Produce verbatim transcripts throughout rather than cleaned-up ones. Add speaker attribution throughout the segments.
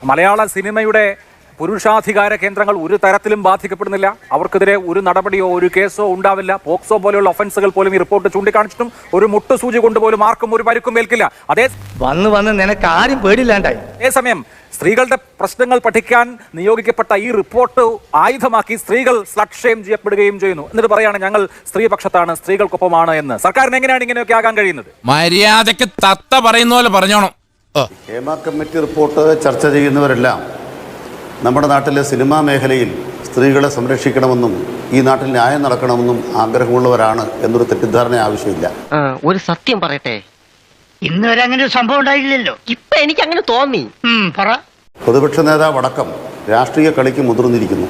Speaker 1: മലയാള സിനിമയുടെ പുരുഷാധികാര കേന്ദ്രങ്ങൾ ഒരു തരത്തിലും ബാധിക്കപ്പെടുന്നില്ല. അവർക്കെതിരെ ഒരു നടപടിയോ ഒരു കേസോ ഉണ്ടാവില്ല. പോക്സോ പോലെയുള്ള ഒഫൻസുകൾ പോലും ഈ റിപ്പോർട്ട് ചൂണ്ടിക്കാണിച്ചിട്ടും ഒരു മുട്ടുസൂചി കൊണ്ടുപോലും ആർക്കും ഒരു പരുക്കും ഏൽക്കില്ല. അതേ
Speaker 2: വന്ന് വന്ന് നിനക്ക് ആരും പേടില്ലാണ്ടായി.
Speaker 1: അതേസമയം സ്ത്രീകളുടെ പ്രശ്നങ്ങൾ പഠിക്കാൻ നിയോഗിക്കപ്പെട്ട ഈ റിപ്പോർട്ട് ആയുധമാക്കി സ്ത്രീകൾ സ്ലട്ട് ഷെയിം ചെയ്യപ്പെടുകയും ചെയ്യുന്നു. എന്നിട്ട് പറയാണ് ഞങ്ങൾ സ്ത്രീപക്ഷത്താണ്, സ്ത്രീകൾക്കൊപ്പമാണ് എന്ന്. സർക്കാരിന് എങ്ങനെയാണ് ഇങ്ങനെയൊക്കെ ആകാൻ കഴിയുന്നത്?
Speaker 3: മര്യാദക്ക് തത്ത പറയുന്ന പോലെ പറഞ്ഞോണം.
Speaker 4: ഹേമ കമ്മിറ്റി റിപ്പോർട്ട് ചർച്ച ചെയ്യുന്നവരെല്ലാം നമ്മുടെ നാട്ടിലെ സിനിമാ മേഖലയിൽ സ്ത്രീകളെ സംരക്ഷിക്കണമെന്നും ഈ നാട്ടിൽ ന്യായം നടക്കണമെന്നും ആഗ്രഹമുള്ളവരാണ് എന്നൊരു തെറ്റിദ്ധാരണ ആവശ്യമില്ല.
Speaker 5: ഒരു സത്യം പറയട്ടെ,
Speaker 2: ഇന്ന് വരെ അങ്ങനെ ഒരു സംഭവം ഉണ്ടായില്ലല്ലോ.
Speaker 5: ഇപ്പൊ എനിക്ക് അങ്ങനെ തോന്നി.
Speaker 4: പ്രതിപക്ഷ നേതാവ് അടക്കം രാഷ്ട്രീയ കളിക്ക് മുതിർന്നിരിക്കുന്നു.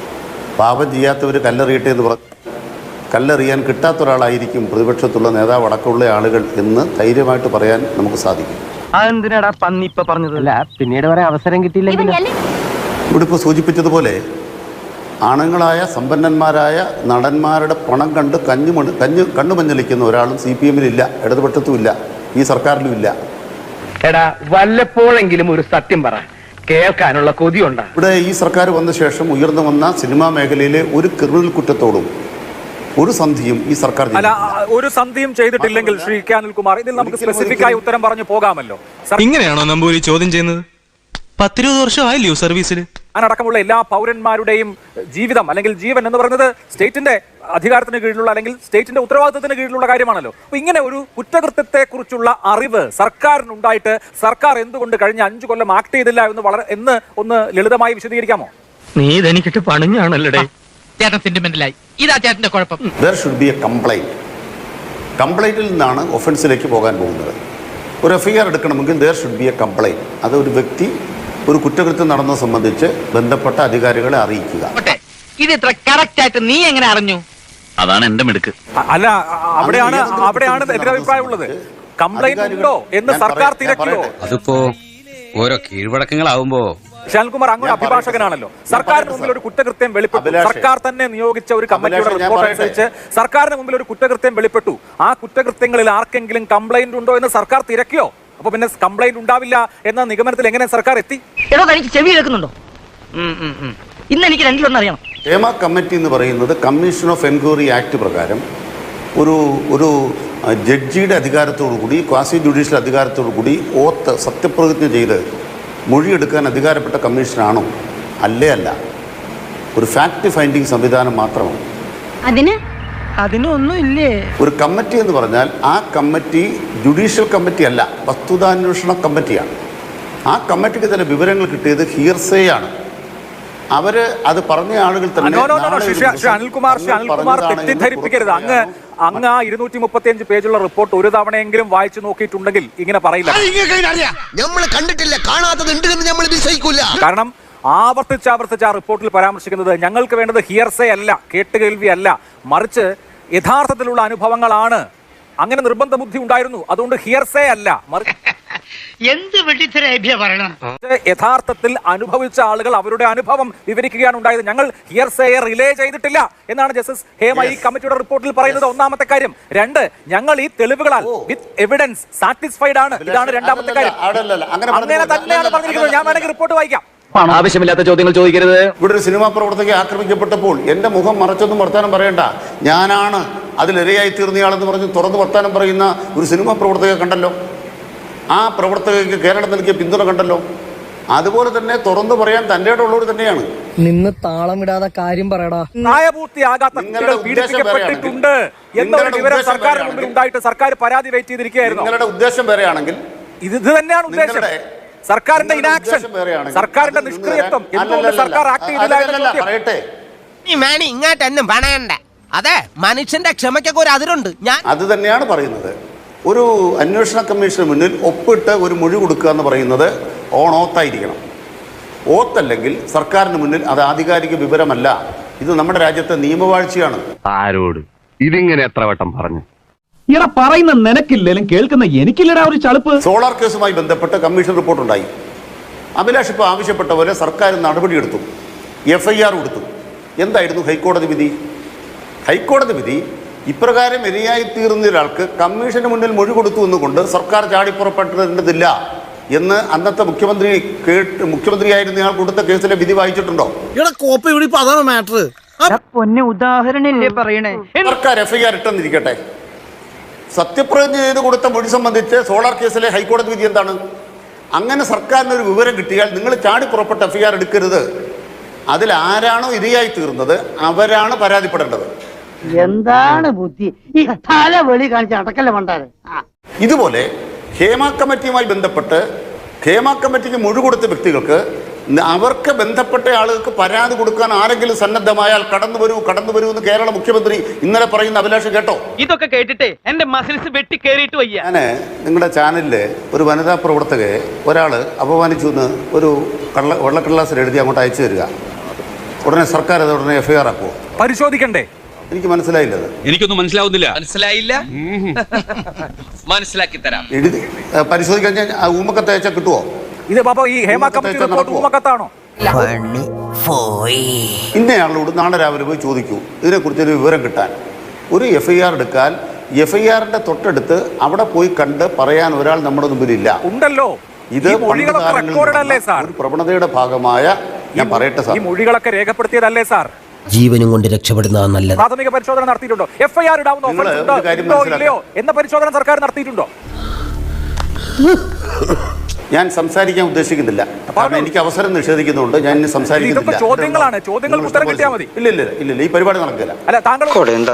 Speaker 4: പാപം ചെയ്യാത്തവർ കല്ലെറിയട്ടെ എന്ന് പറഞ്ഞു കല്ലെറിയാൻ കിട്ടാത്ത ഒരാളായിരിക്കും പ്രതിപക്ഷത്തുള്ള നേതാവ് അടക്കമുള്ള ആളുകൾ എന്ന് ധൈര്യമായിട്ട് പറയാൻ നമുക്ക് സാധിക്കും.
Speaker 2: അതെന്തിനാടാ പന്നി ഇപ്പൊ പറഞ്ഞതല്ല, പിന്നീട് വരെ അവസരം കിട്ടിയില്ലെങ്കിൽ.
Speaker 4: ഇവിടെ ഇപ്പോൾ സൂചിപ്പിച്ചതുപോലെ ആണുങ്ങളായ സമ്പന്നന്മാരായ നടന്മാരുടെ പണം കണ്ട് കഞ്ഞു മണി കഞ്ഞു കണ്ണുമഞ്ഞളിക്കുന്ന ഒരാളും സി പി എമ്മിലില്ല, ഇടതുപക്ഷത്തുമില്ല, ഈ സർക്കാരിലും ഇല്ല.
Speaker 2: എടാ വല്ലപ്പോഴെങ്കിലും ഒരു സത്യം പറ, കേൾക്കാനുള്ള കൊതിയുണ്ടാ.
Speaker 4: ഇവിടെ ഈ സർക്കാർ വന്ന ശേഷം ഉയർന്നു വന്ന സിനിമാ മേഖലയിലെ ഒരു ക്രിമിനൽ കുറ്റത്തോടും ഒരു സന്ധിയും ഈ സർക്കാർ
Speaker 1: അല്ല ഒരു സന്ധിയും ചെയ്തിട്ടില്ലെങ്കിൽ ശ്രീ കെ അനിൽകുമാർ, ഇതിൽ നമുക്ക് സ്പെസിഫിക് ആയി ഉത്തരം പറഞ്ഞു പോകാമല്ലോ.
Speaker 6: ഇങ്ങനെയാണോ നമ്പൂരി ചോദ്യം ചെയ്യുന്നത്? പത്തിരുപത് വർഷമായില്ലയോ സർവീസിൽ?
Speaker 1: അതിനടക്കമുള്ള എല്ലാ പൗരന്മാരുടെയും ജീവിതം അല്ലെങ്കിൽ ജീവൻ എന്ന് പറയുന്നത് സ്റ്റേറ്റിന്റെ അധികാരത്തിന് കീഴിലുള്ള അല്ലെങ്കിൽ സ്റ്റേറ്റിന്റെ ഉത്തരവാദിത്തത്തിന് കീഴിലുള്ള കാര്യമാണല്ലോ. അപ്പൊ ഇങ്ങനെ ഒരു കുറ്റകൃത്യത്തെ കുറിച്ചുള്ള അറിവ് സർക്കാരിനുണ്ടായിട്ട് സർക്കാർ എന്തുകൊണ്ട് കഴിഞ്ഞ അഞ്ചു കൊല്ലം ആക്ട് ചെയ്തില്ല എന്ന് വളരെ എന്ന് ഒന്ന് ലളിതമായി വിശദീകരിക്കാമോ?
Speaker 2: നീ ഇതെനിക്കിട്ട് പണിഞ്ഞാണല്ലേ.
Speaker 5: ചേട്ടൻ സെന്റിമെന്റലായി. ഇതാ ചേട്ടന്റെ കുഴപ്പം.
Speaker 4: There should be a complaint. കംപ്ലൈന്റിൽ നിന്നാണ് ഒഫൻസിലേക്ക് പോകാൻ പോകുന്നത്. ഒരു എഫ് ഐ ആർ എടുക്കണമെങ്കിൽ there should be a complaint. അത് ഒരു വ്യക്തി ഒരു കുറ്റകൃത്യം നടന്നത് സംബന്ധിച്ച് ബന്ധപ്പെട്ട അധികാരികളെ അറിയിക്കുക.
Speaker 5: ഇത് ഇത്ര കറക്റ്റ് ആയിട്ട് നീ എങ്ങനെ അറിഞ്ഞു?
Speaker 3: അതാണ് എന്റെ മിടുക്ക്.
Speaker 1: അല്ല അവിടെയാണ് അവിടെയാണ് എതിരഭിപ്രായം ഉള്ളത്. കംപ്ലൈന്റ് ഉണ്ടോ എന്ന് സർക്കാർ തിരക്കിയോ?
Speaker 3: അതിപ്പോ ഓരോ കീഴ്വഴക്കങ്ങളാവുമ്പോ
Speaker 1: ഷാൽകുമാർ അങ്ങ് അഭിഭാഷകനാണല്ലോ. സർക്കാരിന് മുമ്പിൽ ഒരു കുറ്റകൃത്യം വെളിപ്പെട്ടു, സർക്കാർ തന്നെ നിയോഗിച്ച ഒരു കമ്മിറ്റിയുടെ റിപ്പോർട്ട് അനുസരിച്ച് സർക്കാരിന് മുമ്പിൽ ഒരു കുറ്റകൃത്യം വെളിപ്പെട്ടു. ആ കുറ്റകൃത്യങ്ങളിൽ ആർക്കെങ്കിലും കംപ്ലൈന്റ് ഉണ്ടോ എന്ന് സർക്കാർ തിരക്കിയോ? അപ്പൊ പിന്നെ കംപ്ലൈന്റ് ഉണ്ടാവില്ല എന്ന നിഗമനത്തിൽ എങ്ങനെ സർക്കാർ എത്തി?
Speaker 5: എടോ തനിക്ക് ചെവി കേൾക്കുന്നുണ്ടോ? ഇന്ന് എനിക്ക് രണ്ടിലൊന്നും അറിയണം.
Speaker 4: ഹേമ കമ്മിറ്റി എന്ന് പറയുന്നത് കമ്മീഷൻ ഓഫ് എൻക്വയറി ആക്ട് പ്രകാരം ഒരു ഒരു ജഡ്ജിയുടെ അധികാരത്തോടു കൂടി ക്വാസി ജുഡീഷ്യൽ അധികാരത്തോടു കൂടി ഓത്ത് സത്യപ്രതിജ്ഞ ചെയ്ത് മൊഴിയെടുക്കാൻ അധികാരപ്പെട്ട കമ്മീഷനാണോ? അല്ലേ അല്ല, ഒരു ഫാക്ട് ഫൈൻഡിങ് സംവിധാനം മാത്രമാണ്.
Speaker 5: അതിന്
Speaker 2: അതിനൊന്നും ഇല്ലേ.
Speaker 4: ഒരു കമ്മിറ്റി എന്ന് പറഞ്ഞാൽ ആ കമ്മിറ്റി ജുഡീഷ്യൽ കമ്മിറ്റി അല്ല, വസ്തുതാന്വേഷണ കമ്മിറ്റിയാണ്. ആ കമ്മിറ്റിക്ക് തന്നെ വിവരങ്ങൾ കിട്ടിയത് ഹിയർസേ ആണ്. അവര് അത് പറഞ്ഞ ആളുകൾ തന്നെ
Speaker 1: അനിൽകുമാർ അനിൽകുമാർ തെറ്റിദ്ധരിപ്പിക്കരുത്. അങ്ങ് അങ്ങ് ആ ഇരുന്നൂറ്റി മുപ്പത്തി അഞ്ച് പേജുള്ള റിപ്പോർട്ട് ഒരു തവണയെങ്കിലും വായിച്ചു നോക്കിയിട്ടുണ്ടെങ്കിൽ ഇങ്ങനെ പറയില്ല. കാരണം ആവർത്തിച്ച് ആവർത്തിച്ച് ആ റിപ്പോർട്ടിൽ പരാമർശിക്കുന്നത് ഞങ്ങൾക്ക് വേണ്ടത് ഹിയർസേ അല്ല, കേട്ടുകേൾവി അല്ല, മറിച്ച് യഥാർത്ഥത്തിലുള്ള അനുഭവങ്ങളാണ്. അങ്ങനെ നിർബന്ധ ബുദ്ധി ഉണ്ടായിരുന്നു, അതുകൊണ്ട് ഹിയർസേ അല്ല,
Speaker 2: എന്ത് പറയണം.
Speaker 1: യഥാർത്ഥത്തിൽ അനുഭവിച്ച ആളുകൾ അവരുടെ അനുഭവം വിവരിക്കുകയാണ് ഉണ്ടായത്. ഞങ്ങൾ ഹിയർസേയെ റിലേ ചെയ്തിട്ടില്ല എന്നാണ് ജസ്റ്റിസ് ഹേമ ഈ കമ്മിറ്റിയുടെ റിപ്പോർട്ടിൽ പറയുന്നത്. ഒന്നാമത്തെ കാര്യം. രണ്ട്, ഞങ്ങൾ ഈ തെളിവുകളാൽ വിത്ത് എവിഡൻസ് സാറ്റിസ്ഫൈഡ് ആണ്. ഇതാണ് രണ്ടാമത്തെ കാര്യം. അങ്ങനെ തന്നെയാണ് പറഞ്ഞിരിക്കുന്നത്. ഞാൻ വേണമെങ്കിൽ റിപ്പോർട്ട് വായിക്കാം.
Speaker 2: ആവശ്യമില്ലാത്ത ചോദ്യങ്ങൾ ചോദിക്കരുത്.
Speaker 4: ഇവിടെ ഒരു സിനിമാ പ്രവർത്തകയെ ആക്രമിക്കപ്പെട്ടപ്പോൾ എന്റെ മുഖം മറച്ചൊന്നും വർത്താനം പറയണ്ട, ഞാനാണ് അതിലിരയായി തീർന്നയാളെന്ന് പറഞ്ഞ് തുറന്ന് വർത്താനം പറയുന്ന ഒരു സിനിമാ പ്രവർത്തകയെ കണ്ടല്ലോ. ആ പ്രവർത്തകർക്ക് കേരളം നൽകിയ പിന്തുണ കണ്ടല്ലോ. അതുപോലെ തന്നെ തുറന്നു പറയാൻ തന്റെ ഉള്ളവർ തന്നെയാണ്.
Speaker 7: നിന്ന് താളമിടാതെ കാര്യം പറയടാ.
Speaker 1: പ്രായപൂർത്തിയാകാത്ത കുട്ടികൾ പീഡിപ്പിക്കപ്പെട്ടിട്ടുണ്ട് എന്നൊരു വിവരം സർക്കാരിന് മുമ്പിൽ ഉണ്ടായിട്ട് സർക്കാർ പരാതി വെയിറ്റ് ചെയ്തിരിക്കുകയായിരുന്നു.
Speaker 4: നിങ്ങളുടെ ഉദ്ദേശം വേറെയാണെങ്കിൽ
Speaker 1: ഇത് തന്നെയാണ് ഉദ്ദേശം. സർക്കാരിന്റെ ഇനാക്ഷൻ, സർക്കാരിന്റെ നിഷ്ക്രിയത്വം, എന്തുകൊണ്ട് സർക്കാർ ആക്ട് ചെയ്തില്ല?
Speaker 4: പറയട്ടെ,
Speaker 5: ഇങ്ങോട്ടൊന്നും പണയണ്ട. അതെ, മനുഷ്യന്റെ ക്ഷമയ്ക്കൊക്കെ ഒരു അതിരുണ്ട്. ഞാൻ
Speaker 4: അത് തന്നെയാണ് പറയുന്നത്. ഒരു അന്വേഷണ കമ്മീഷന് മുന്നിൽ ഒപ്പിട്ട് ഒരു മൊഴി കൊടുക്കുക എന്ന് പറയുന്നത് ഓൺ ഓത്തായിരിക്കണം. ഓത്തല്ലെങ്കിൽ സർക്കാരിന് മുന്നിൽ അത് ആധികാരിക വിവരമല്ല. ഇത് നമ്മുടെ രാജ്യത്തെ നിയമവാഴ്ചയാണ്.
Speaker 8: ആരോട് ഇതിങ്ങനെ എത്ര വട്ടം പറഞ്ഞു?
Speaker 9: ഇറ പറയുന്ന നിനക്കില്ലേലും കേൾക്കുന്ന എനിക്കില്ലടാ ഒരു ചളുപ്പ്.
Speaker 4: സോളാർ കേസുമായി ബന്ധപ്പെട്ട് കമ്മീഷൻ റിപ്പോർട്ടുണ്ടായി. അഭിലാഷ് ഇപ്പോൾ ആവശ്യപ്പെട്ട പോലെ സർക്കാർ നടപടിയെടുത്തു, എഫ് ഐ ആർ കൊടുത്തു. എന്തായിരുന്നു ഹൈക്കോടതി വിധി? ഹൈക്കോടതി വിധി ഇപ്രകാരം ഇരയായിത്തീർന്ന ഒരാൾക്ക് കമ്മീഷന് മുന്നിൽ മൊഴി കൊടുത്തു എന്നുകൊണ്ട് സർക്കാർ ചാടിപ്പുറപ്പെടേണ്ടതില്ല എന്ന് അന്നത്തെ മുഖ്യമന്ത്രി കേട്ട് മുഖ്യമന്ത്രിയായിരുന്ന ആൾ കൊടുത്ത കേസിലെ വിധി വായിച്ചിട്ടുണ്ടോ?
Speaker 5: അതാണ് മാറ്റർ.
Speaker 2: പൊന്നെ ഉദാഹരണല്ലേ പറയണേ.
Speaker 4: സർക്കാർ എഫ് ഐ ആർ ഇട്ടെന്നിരിക്കട്ടെ, സത്യപ്രതിജ്ഞ ചെയ്ത് കൊടുത്ത മൊഴി സംബന്ധിച്ച് സോളാർ കേസിലെ ഹൈക്കോടതി വിധി എന്താണ്? അങ്ങനെ സർക്കാരിനൊരു വിവരം കിട്ടിയാൽ നിങ്ങൾ ചാടി പുറപ്പെട്ട എഫ് ഐ ആർ എടുക്കരുത്. അതിൽ ആരാണോ ഇരയായി തീർന്നത് അവരാണ് പരാതിപ്പെടേണ്ടത്.
Speaker 2: എന്താണ് ബുദ്ധി ഈ തല വെളി കാണിച്ച അടക്കല്ലേ മണ്ടാരെ.
Speaker 4: ഇതുപോലെ ഹേമ കമ്മിറ്റിയുമായി ബന്ധപ്പെട്ട് ഹേമ കമ്മിറ്റിക്ക് മൊഴി കൊടുത്ത വ്യക്തികൾക്ക് അവർക്ക് ബന്ധപ്പെട്ട ആളുകൾക്ക് പരാതി കൊടുക്കാൻ ആരെങ്കിലും സന്നദ്ധമായാൽ കടന്നു വരൂ കടന്നു വരൂ എന്ന് കേരള മുഖ്യമന്ത്രി ഇന്നലെ പറയുന്ന അഭിലാഷ് കേട്ടോ?
Speaker 2: ഇതൊക്കെ കേട്ടിട്ടേ എന്റെ മസിൽസ് വെട്ടി കേറിയിട്ട് വയ്യ.
Speaker 4: ഞാൻ നിങ്ങളുടെ ചാനലില് ഒരു വനിതാ പ്രവർത്തകയെ ഒരാൾ അപമാനിച്ചു എന്ന് ഒരു കള്ള വെള്ളക്കടലാസിൽ എഴുതി അങ്ങോട്ട് അയച്ചു തരിക. ഉടനെ സർക്കാർ അത് ഉടനെ എഫ് ഐ ആർ ആക്കുമോ?
Speaker 1: പരിശോധിക്കണ്ടേ?
Speaker 4: എനിക്ക് മനസ്സിലായില്ലത്.
Speaker 3: എനിക്കൊന്നും മനസ്സിലാവുന്നില്ല.
Speaker 5: മനസ്സിലായില്ല? മനസ്സിലാക്കി തരാം.
Speaker 4: എഴുതി പരിശോധിക്കാൻ ഞാൻ ഊമക്കത്ത് അയച്ചാൽ കിട്ടുമോ?
Speaker 1: ഇത് ബാബു ഈ ഹേമ കമ്മിറ്റി റിപ്പോർട്ട് ഊമക്കത്താണോ?
Speaker 4: ഇന്നയാളോട് നാളെ രാവിലെ പോയി ചോദിക്കൂ ഇതിനെക്കുറിച്ചൊരു വിവരം കിട്ടാൻ. ഒരു എഫ് ഐ ആർ എടുക്കാൻ എഫ് ഐ ആറിന്റെ തൊട്ടടുത്ത് അവിടെ പോയി കണ്ട് പറയാൻ ഒരാൾ നമ്മുടെ മുമ്പിലില്ല.
Speaker 1: ഉണ്ടല്ലോ.
Speaker 4: ഇത് ഒരു പ്രവണതയുടെ ഭാഗമായ ഞാൻ പറയട്ടെ സാർ,
Speaker 1: ഈ മൊഴികളൊക്കെ രേഖപ്പെടുത്തിയതല്ലേ സാർ?
Speaker 5: ജീവനും കൊണ്ട് രക്ഷപ്പെടുന്നതാണ് നല്ലത്.
Speaker 1: പ്രാഥമിക പരിശോധന നടത്തിയിട്ടുണ്ടോ? എഫ് ഐ ആർ ഇടാവുന്ന ഇല്ലയോ എന്ന പരിശോധന സർക്കാർ നടത്തിയിട്ടുണ്ടോ?
Speaker 4: ഞാൻ സംസാരിക്കാൻ ഉദ്ദേശിക്കുന്നില്ല, കാരണം എനിക്ക് അവസരം നിഷേധിക്കുന്നുണ്ട്. ഞാൻ ഇനി സംസാരിക്കുന്നില്ല.
Speaker 1: ചോദ്യങ്ങളാണ്, ചോദ്യങ്ങൾക്ക് ഉത്തരം കിട്ടിയാൽ മതി.
Speaker 4: ഇല്ല ഇല്ല ഇല്ല ഇല്ല ഈ പരിപാടി നടക്കില്ല.
Speaker 1: അല്ല താങ്കൾ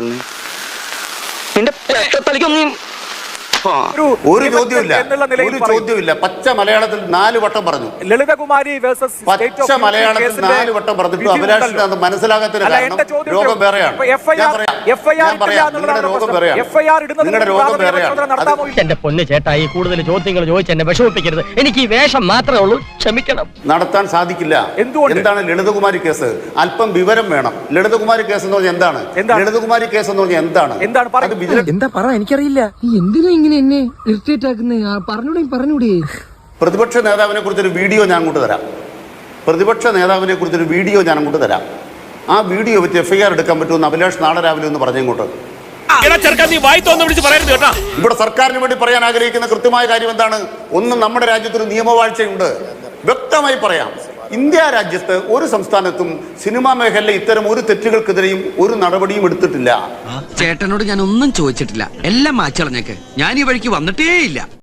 Speaker 4: ഒരു ചോദ്യമില്ല ഒരു ചോദ്യമില്ല പച്ച മലയാളത്തിൽ നാല് വട്ടം പറഞ്ഞു.
Speaker 1: ലളിതകുമാരി വേഴ്സസ്
Speaker 4: പച്ച മലയാളത്തിൽ നാല് വട്ടം പറഞ്ഞിട്ട് അഭിലാഷിന് അത് മനസ്സിലാകാത്തതിന് കാരണം രോഗം വേറെയാണ്. ഞാൻ പറയാം നിങ്ങളുടെ രോഗം വേറെയാണ്, നിങ്ങളുടെ രോഗം വേറെയാണ്.
Speaker 2: എന്റെ പൊന്ന് ചേട്ടായി കൂടുതൽ ചോദ്യങ്ങൾ ചോദിച്ച് എന്നെ വിഷമിപ്പിക്കരുത്. എനിക്ക് ഈ വേഷം മാത്രമേ ഉള്ളൂ, ക്ഷമിക്കണം.
Speaker 4: നടത്താൻ സാധിക്കില്ല. എന്താണ് ലളിതകുമാരി കേസ്? അല്പം വിവരം വേണം. ലളിതകുമാരി കേസ് എന്ന് പറഞ്ഞാൽ എന്താണ്? ലളിതകുമാരി കേസ് എന്ന് പറഞ്ഞാൽ എന്താണ്?
Speaker 7: എന്താ പറ എനിക്കറിയില്ല. എന്തിനാ ഇങ്ങനെ എന്നെ ഇറിറ്റേറ്റ് ആക്കുന്നേ? പറഞ്ഞൂടെ പറഞ്ഞൂടെ.
Speaker 4: പ്രതിപക്ഷ നേതാവിനെ കുറിച്ചൊരു വീഡിയോ ഞാൻ അങ്ങോട്ട് തരാം. പ്രതിപക്ഷ നേതാവിനെ കുറിച്ചൊരു വീഡിയോ ഞാൻ അങ്ങോട്ട് തരാം. ആ വീഡിയോ വെച്ച് എഫ് ഐ ആർ എടുക്കാൻ പറ്റുമെന്ന് അഭിലാഷ് നാളെ രാവിലെ ഒന്ന് പറഞ്ഞങ്ങോട്ട്. ഇവിടെ സർക്കാരിന് വേണ്ടി പറയാൻ ആഗ്രഹിക്കുന്ന കൃത്യമായ കാര്യം എന്താണ്? ഒന്ന്, നമ്മുടെ രാജ്യത്തൊരു നിയമവാഴ്ചയുണ്ട്. വ്യക്തമായി പറയാം, ഇന്ത്യ രാജ്യത്ത് ഒരു സംസ്ഥാനത്തും സിനിമാ മേഖലയിലെ ഇത്തരം ഒരു തെറ്റുകൾക്കെതിരെയും ഒരു നടപടിയും എടുത്തിട്ടില്ല.
Speaker 5: ചേട്ടനോട് ഞാൻ ഒന്നും ചോദിച്ചിട്ടില്ല, എല്ലാം മാച്ചളഞ്ഞേക്ക്. ഞാൻ ഈ വഴിക്ക് വന്നിട്ടേ ഇല്ല.